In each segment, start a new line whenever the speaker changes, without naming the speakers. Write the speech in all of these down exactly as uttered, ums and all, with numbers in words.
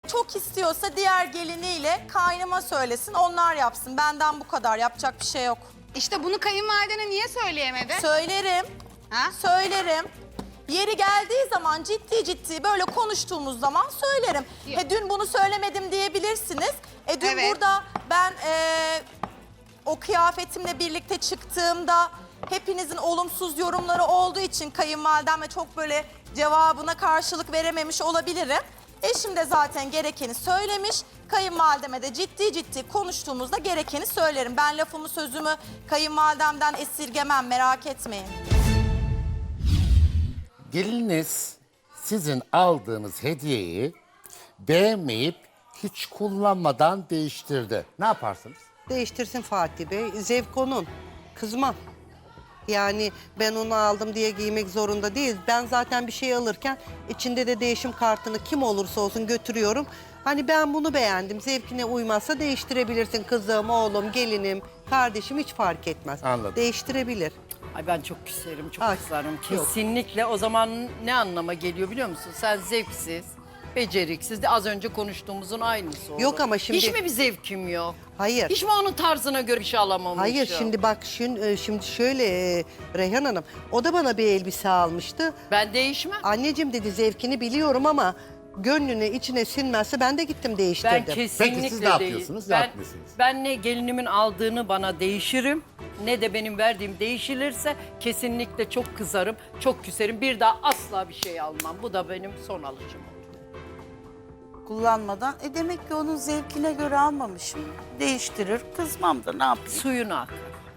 çok istiyorsa diğer geliniyle kaynıma söylesin, onlar yapsın. Benden bu kadar, yapacak bir şey yok.
İşte bunu kayınvalidene niye söyleyemedi?
Söylerim,
Ha?
söylerim. Yeri geldiği zaman ciddi ciddi böyle konuştuğumuz zaman söylerim.
Yok.
He, dün bunu söylemedim diyebilirsiniz. E dün
Evet.
burada ben e, o kıyafetimle birlikte çıktığımda hepinizin olumsuz yorumları olduğu için kayınvalidem ve çok böyle cevabına karşılık verememiş olabilirim. Eşim de zaten gerekeni söylemiş. Kayınvalideme de ciddi ciddi konuştuğumuzda gerekeni söylerim. Ben lafımı sözümü kayınvalidemden esirgemem, merak etmeyin.
Geliniz sizin aldığınız hediyeyi beğenmeyip hiç kullanmadan değiştirdi. Ne yaparsınız?
Değiştirsin Fatih Bey. Zevk onun. Kızmam. Yani ben onu aldım diye giymek zorunda değil. Ben zaten bir şey alırken içinde de değişim kartını kim olursa olsun götürüyorum. Hani ben bunu beğendim. Zevkine uymazsa değiştirebilirsin kızım, oğlum, gelinim, kardeşim hiç fark etmez.
Anladım.
Değiştirebilir.
Ay ben çok küserim, çok
Ay,
kızarım.
yok.
Kesinlikle o zaman ne anlama geliyor biliyor musun? Sen zevksiz, beceriksiz de az önce konuştuğumuzun aynısı oldu.
Yok ama şimdi-
Hiç mi bir zevkim yok?
Hayır.
Hiç mi onun tarzına göre bir şey alamamışım?
Hayır şimdi bak şun- şimdi şöyle e, Reyhan Hanım o da bana bir elbise almıştı.
Ben değişmem.
Anneciğim dedi zevkini biliyorum ama gönlüne içine sinmezse ben de gittim değiştirdim.
Ben kesinlikle
Peki siz ne
değil.
yapıyorsunuz, ne
Ben,
yapmıyorsunuz?
ben ne gelinimin aldığını bana değişirim, ne de benim verdiğim değişilirse kesinlikle çok kızarım, çok küserim. Bir daha asla bir şey almam. Bu da benim son alışım olur.
Kullanmadan. E demek ki onun zevkine göre almamışım. Değiştirir, kızmam da ne yapayım?
Suyunu akar.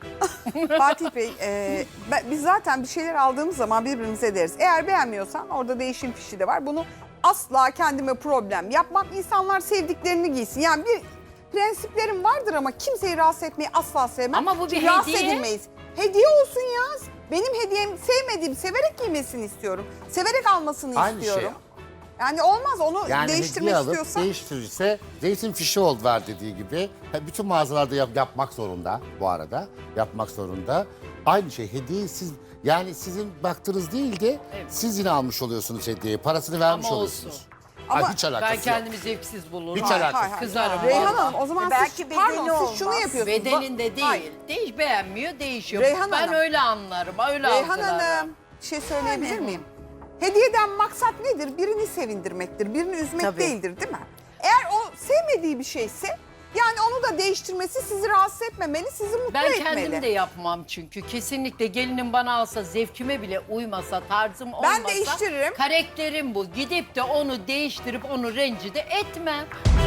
Fatih Bey, e, ben- biz zaten bir şeyler aldığımız zaman birbirimize deriz. Eğer beğenmiyorsan orada değişim fişi de var. Bunu asla kendime problem yapmam. İnsanlar sevdiklerini giysin. Yani bir prensiplerim vardır ama kimseyi rahatsız etmeyi asla sevmem.
Ama bu bir
Çünkü rahatsız
hediye.
edilmeyiz. Hediye olsun ya. Benim hediyem sevmediğim, severek giymesini istiyorum. Severek almasını
Aynı
istiyorum.
şey.
Yani olmaz onu
Yani
değiştirmek
hediye alıp
istiyorsa.
değiştirirse değişim fişi oldu var dediği gibi. Ha, bütün mağazalarda yap- yapmak zorunda bu arada. Yapmak zorunda. Aynı şey hediyeyi siz yani sizin baktığınız değil de
Evet.
siz yine almış oluyorsunuz hediyeyi. Parasını vermiş
Ama
oluyorsunuz.
olsun.
Ay,
Ama
hiç alakası
Ben
yok.
kendimi zevksiz bulurum.
Hiç
Hayır,
alakası
hayır, hayır.
Kızarım.
Reyhan
vallahi.
Hanım o zaman
E belki
siz,
bedeni
pardon, siz şunu
olmaz.
yapıyorsunuz.
Bedeninde değil.
Hayır.
Değiş beğenmiyor, değişiyor.
Reyhan
ben
Hanım.
öyle anlarım. Öyle
Reyhan
algılarım.
Hanım bir şey söyleyebilir miyim? Hediyeden maksat nedir? Birini sevindirmektir, birini üzmek
Tabii.
değildir değil mi? Eğer o sevmediği bir şeyse yani onu da değiştirmesi sizi rahatsız etmemeli, sizi mutlu
Ben
etmeli.
kendim de yapmam çünkü. Kesinlikle gelinim bana alsa, zevkime bile uymasa, tarzım olmasa...
Ben değiştiririm.
Karakterim bu. Gidip de onu değiştirip onu rencide etmem.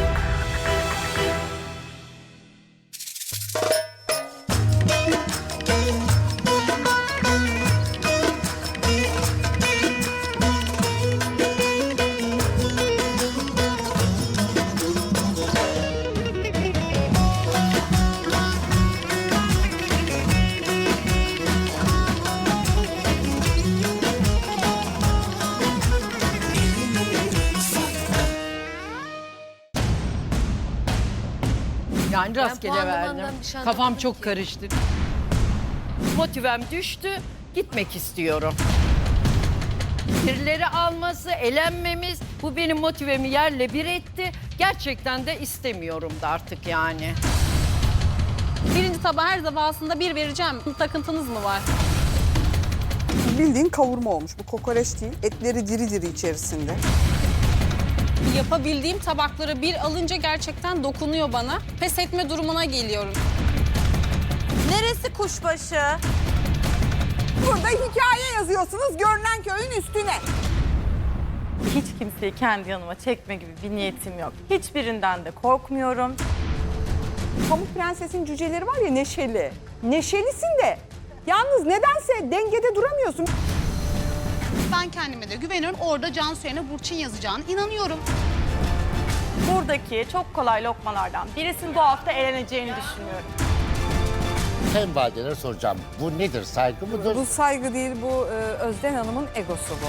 Yani rastgele
puanlamandan
verdim.
bir şey
Kafam
anlamadım
çok
ki.
karıştı. Motivem düştü. Gitmek istiyorum. Birileri alması, elenmemiz bu benim motivemi yerle bir etti. Gerçekten de istemiyorum da artık yani.
Birinci tabağa her defasında bir vereceğim. Takıntınız mı var?
Bildiğin kavurma olmuş. Bu kokoreç değil. Etleri diri diri içerisinde.
Yapabildiğim tabakları bir alınca gerçekten dokunuyor bana. Pes etme durumuna geliyorum.
Neresi kuşbaşı?
Burada hikaye yazıyorsunuz görünen köyün üstüne.
Hiç kimseyi kendi yanıma çekme gibi bir niyetim yok. Hiçbirinden de korkmuyorum.
Pamuk Prenses'in cüceleri var ya neşeli. Neşelisin de. Yalnız nedense dengede duramıyorsun.
Ben kendime de güveniyorum. Orada Cansu yerine Burçin yazacağına inanıyorum.
Buradaki çok kolay lokmalardan birisinin bu hafta eleneceğini düşünüyorum.
Kayınvalidelere soracağım. Bu nedir? Saygı mıdır?
Bu saygı değil, bu e, Özden Hanım'ın egosu bu.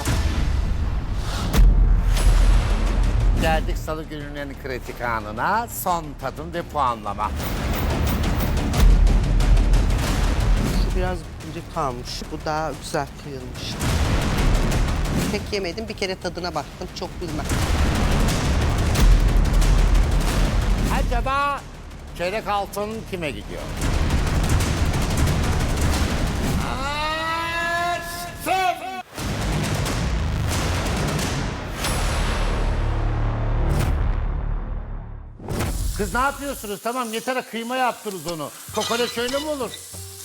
Geldik Salı gününün kritik anına. Son tadım ve puanlama.
Şu biraz iri kalmış. Bu daha güzel kıyılmış. Pek yemedim. Bir kere tadına baktım. Çok bilmem.
Acaba çeyrek altın kime gidiyor? Açtım. Kız ne yapıyorsunuz? Tamam yeter, kıyma yaptınız onu. Kokoreç öyle mi olur?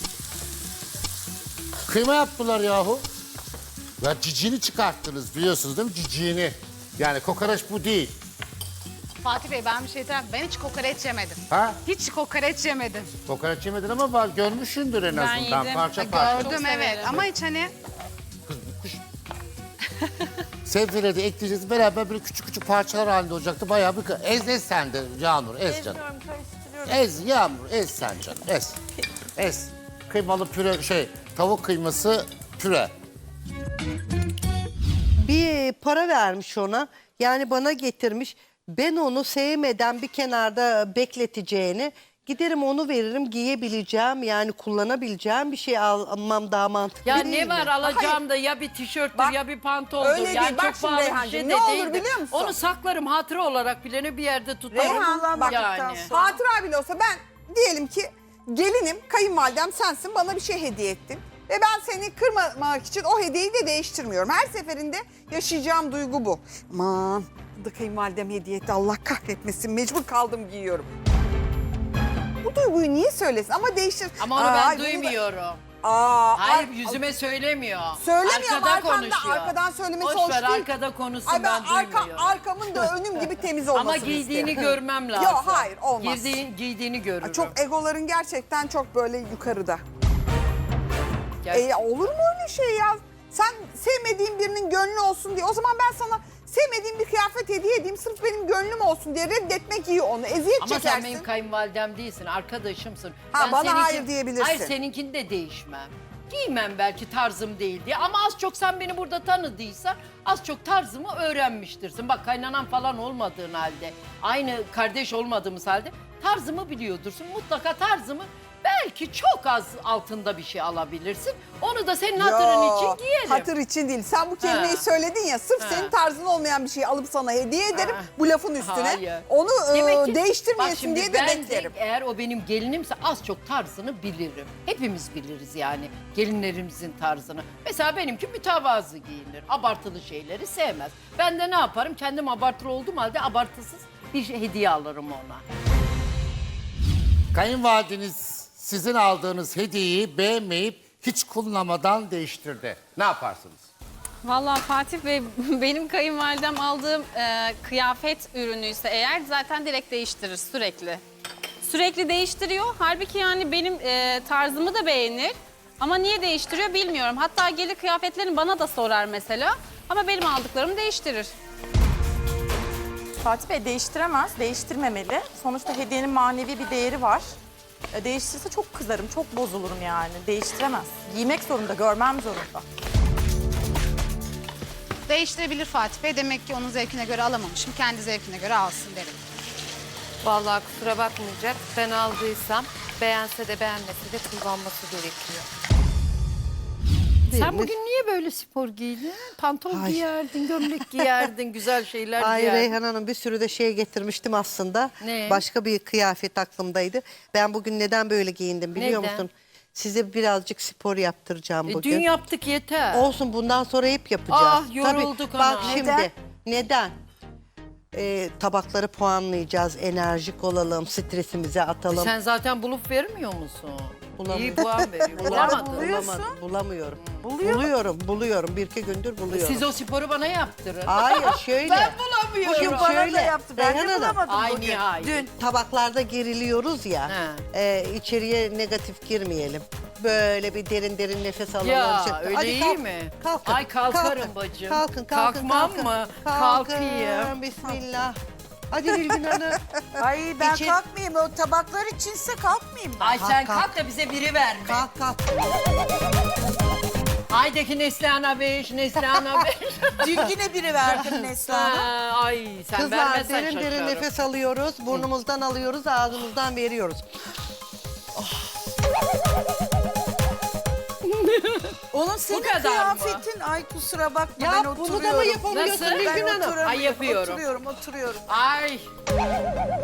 Kıyma yaptılar yahu. Ya ciciğini çıkarttınız biliyorsunuz değil mi? Ciciğini. Yani kokoreç bu değil.
Fatih Bey ben bir şey diyeyim. Ben hiç kokoreç yemedim.
Ha?
Hiç kokoreç yemedim.
Kokoreç yemedin ama var, görmüşsündür en azından
yedim.
parça parça.
Gördüm evet ama hiç hani
Sebzeleri de ekleyeceğiz beraber, böyle küçük küçük parçalar halinde olacaktı. Bayağı bir ez ez sen de Yağmur, ez canım.
Ezmiyorum, karıştırıyorum.
Ez Yağmur, ez sen canım, ez. Ez. Kıymalı püre, şey tavuk kıyması püre.
Bir para vermiş ona. Yani bana getirmiş. Ben onu sevmeden bir kenarda bekleteceğini giderim onu veririm, giyebileceğim yani kullanabileceğim bir şey almam daha mantıklı
Ya
değil
ne var
mi?
alacağım da ya bir tişörttür
Bak,
ya bir pantoldur.
öyle
Yani
değil. Bak
çok
şimdi
pahalı bir
Reyhancığım,
şey
ne
de
olur
değil de.
biliyor musun?
Onu saklarım hatıra olarak bileni bir yerde tutarım.
Reyhan bak
yani.
hatıra bile olsa ben diyelim ki gelinim, kayınvalidem sensin, bana bir şey hediye ettin. Ve ben seni kırmamak için o hediyeyi de değiştirmiyorum. Her seferinde yaşayacağım duygu bu. Aman bu da kayınvalidem hediye etti, Allah kahretmesin, mecbur kaldım giyiyorum. Bu duyguyu niye söylesin ama değiştir.
Ama onu
Aa,
ben
bunu da-
duymuyorum.
Aa,
Hayır
ar-
yüzüme söylemiyor.
Söylemiyor ama
Arkada
arkamda-
konuşuyor.
arkadan söylemesi
Boş
hoş
ver,
değil.
arkada konuşsun
Ay ben
ben
arka,
duymuyorum.
arkamın da önüm gibi temiz olmasını
Ama giydiğini
isterim.
görmem lazım.
Yok hayır olmaz.
Girdiğin, giydiğini görürüm.
Ay, Çok egoların gerçekten çok böyle yukarıda.
Gerçekten.
E, olur mu öyle şey ya? Sen sevmediğin birinin gönlü olsun diye. O zaman ben sana sevmediğim bir kıyafet hediye edeyim. Sırf benim gönlüm olsun diye reddetmek iyi onu. Eziyet
Ama
çekersin.
sen benim kayınvalidem değilsin, arkadaşımsın.
Ha, bana
seninki-
hayır diyebilirsin.
Hayır, seninkini de değişmem. Giymem belki tarzım değil diye ama az çok sen beni burada tanıdıysan az çok tarzımı öğrenmiştirsin. Bak kaynanan falan olmadığın halde, aynı kardeş olmadığımız halde tarzımı biliyordursun. Mutlaka tarzımı belki çok az altında bir şey alabilirsin. Onu da senin hatırın
Yo,
için giyerim.
Hatır için değil. Sen bu kelimeyi
Ha.
söyledin ya, sırf
Ha.
senin tarzın olmayan bir şeyi alıp sana hediye ederim
Ha.
bu lafın üstüne.
Hayır.
Onu e,
Demek ki-
değiştirmeyesin
Bak şimdi
diye de
ben
beklerim.
eğer o benim gelinimse az çok tarzını bilirim. Hepimiz biliriz yani gelinlerimizin tarzını. Mesela benimki mütevazı giyinir. Abartılı şeyleri sevmez. Ben de ne yaparım? Kendim abartılı olduğum halde abartısız bir şey- hediye alırım ona.
Kayınvalideniz sizin aldığınız hediyeyi beğenmeyip hiç kullanmadan değiştirdi. Ne yaparsınız?
Vallahi Fatih Bey benim kayınvalidem aldığım e, kıyafet ürünüyse eğer zaten direkt değiştirir sürekli. Sürekli değiştiriyor. Halbuki yani benim e, tarzımı da beğenir. Ama niye değiştiriyor bilmiyorum. Hatta gelir kıyafetlerini bana da sorar mesela. Ama benim aldıklarımı değiştirir.
Fatih Bey değiştiremez, değiştirmemeli. Sonuçta hediyenin manevi bir değeri var. E, Değiştirirse çok kızarım, çok bozulurum yani. Değiştiremez. Giymek zorunda, görmem zorunda.
değiştirebilir Fatih Bey. Demek ki onun zevkine göre alamamışım. Kendi zevkine göre alsın derim.
Vallahi kusura bakmayacak. Ben aldıysam beğense de beğenmese de kullanması gerekiyor.
Sen bugün niye böyle spor giydin? Pantolon
Ay.
giyerdin, gömlek giyerdin, güzel şeyler
Ay
giyerdin.
Reyhan Hanım bir sürü de şey getirmiştim aslında.
Ne?
Başka bir kıyafet aklımdaydı. Ben bugün neden böyle giyindim biliyor
Neden?
musun? Size birazcık spor yaptıracağım
E,
bugün.
dün yaptık yeter.
Olsun bundan sonra hep yapacağız.
Ah, yorulduk
Tabii, bak
ana.
şimdi
Neden?
neden? Ee, tabakları puanlayacağız, enerjik olalım, stresimizi atalım.
Sen zaten bulup vermiyor musun?
Bulamıyorum.
İyi puan veriyor. Bulamadın.
Bulamadım, bulamıyorum. Buluyorum, buluyorum. Bir iki gündür buluyorum.
Siz o sporu bana yaptırın.
Hayır şöyle.
Ben bulamıyorum.
Bugün
Bana
şöyle.
da yaptı. Ben
Reyhan
de
Hanım,
bulamadım
Ay
bugün.
nihayet.
Dün.
tabaklarda geriliyoruz ya.
He.
E, içeriye negatif girmeyelim. Böyle bir derin derin nefes alalım.
Ya,
Şey-
öyle
Hadi
iyi
kalk,
mi?
Kalkın.
Ay, kalkarım
kalkın,
bacım.
Kalkın, kalkın,
Kalkmam
kalkın.
mı?
Kalkın,
Kalkayım.
Bismillah. Hadi Bilgin Hanım.
Ay ben
İçin-
kalkmayayım. O tabaklar içinse kalkmayayım ben.
Ay
Kalk,
sen
kalk.
kalk da bize biri verme.
Kalk kalk.
Aydaki Neslihan'a beş, Neslihan'a beş.
Dün yine biri verdim Neslihan'a.
Ha, Ay sen
Kızlar
vermezsen
derin derin
şaşarım.
nefes alıyoruz. Burnumuzdan alıyoruz, ağzımızdan veriyoruz.
Onun senin
kadar mı?
kıyafetin. Ay kusura bakma
Ya
ben
bunu
oturuyorum.
da mı yapamıyorsun
Nasıl?
Bilgin
Ben
Hanım?
oturamıyorum.
Ay, yapıyorum.
Oturuyorum, oturuyorum.
Ay